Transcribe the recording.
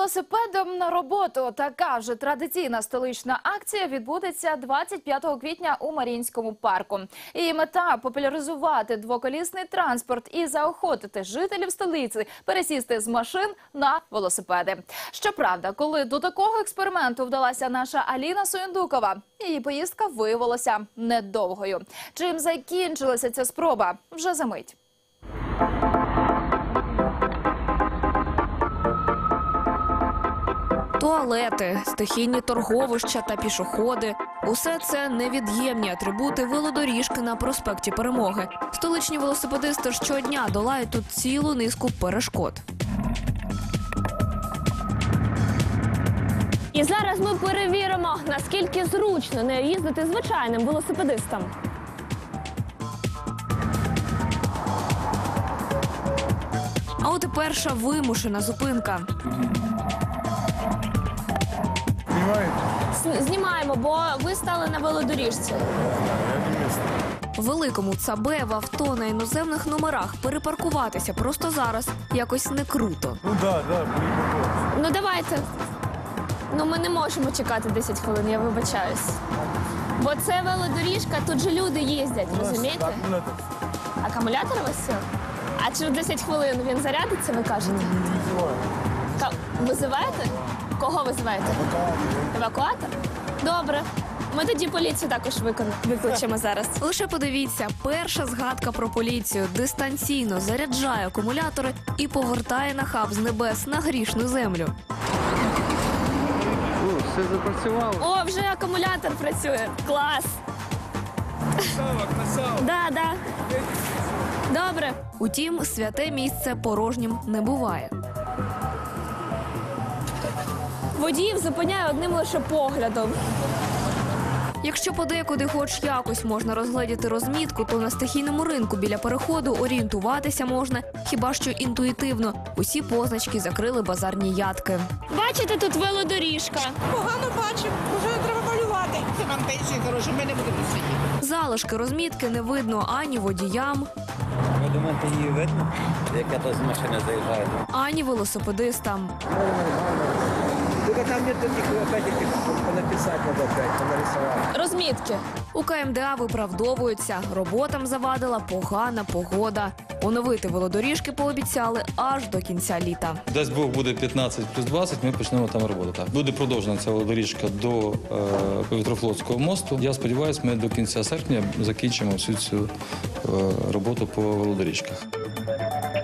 Велосипедом на роботу. Така вже традиційна столична акція відбудеться 25 квітня у Маріїнському парку. Її мета – популяризувати двоколісний транспорт і заохотити жителів столиці пересісти з машин на велосипеди. Щоправда, коли до такого експерименту вдалася наша Аліна Суєндукова, її поїздка виявилася недовгою. Чим закінчилася ця спроба? Вже за мить. Туалети, стихійні торговища та пішоходи – усе це невід'ємні атрибути велодоріжки на проспекті Перемоги. Столичні велосипедисти щодня долають тут цілу низку перешкод. І зараз ми перевіримо, наскільки зручно не їздити звичайним велосипедистам. А от і перша вимушена зупинка. Знімаємо, бо ви стали на велодоріжці. В великому ЦАБЕ в авто на іноземних номерах перепаркуватися просто зараз якось не круто. Ну давайте. Ну ми не можемо чекати 10 хвилин, я вибачаюсь. Бо це велодоріжка, тут же люди їздять, розумієте? Акумулятор у вас сів? А через 10 хвилин він зарядиться, ви кажете? Визиваєте? Кого визиваєте? Евакуатор? Добре. Ми тоді поліцію також викличемо зараз. Лише подивіться, перша згадка про поліцію дистанційно заряджає акумулятори і повертає на хаб з небес на грішну землю. Все запрацювало. О, вже акумулятор працює. Клас. Да. Добре. Утім, святе місце порожнім не буває. Водіїв зупиняє одним лише поглядом. Якщо подекуди хоч якось можна розгледіти розмітку, то на стихійному ринку біля переходу орієнтуватися можна хіба що інтуїтивно. Усі позначки закрили базарні ядки. Бачите, тут велодоріжка. Погано бачимо, вже треба малювати. Це вам пенсії хороші, ми не будемо сидіти. Залишки розмітки не видно ані водіям, Ви думаєте, її видно, яка то з машини заїжджає? ані велосипедистам. Тільки там нет таких понаписати, треба опять, понарисувати. Розмітки. У КМДА виправдовуються. Роботам завадила погана погода. Оновити велодоріжки пообіцяли аж до кінця літа. Дасть Бог буде 15+20, ми почнемо там роботу. Буде продовжена ця велодоріжка до Повітрофлотського мосту. Я сподіваюся, ми до кінця серпня закінчимо всю цю роботу по велодоріжках.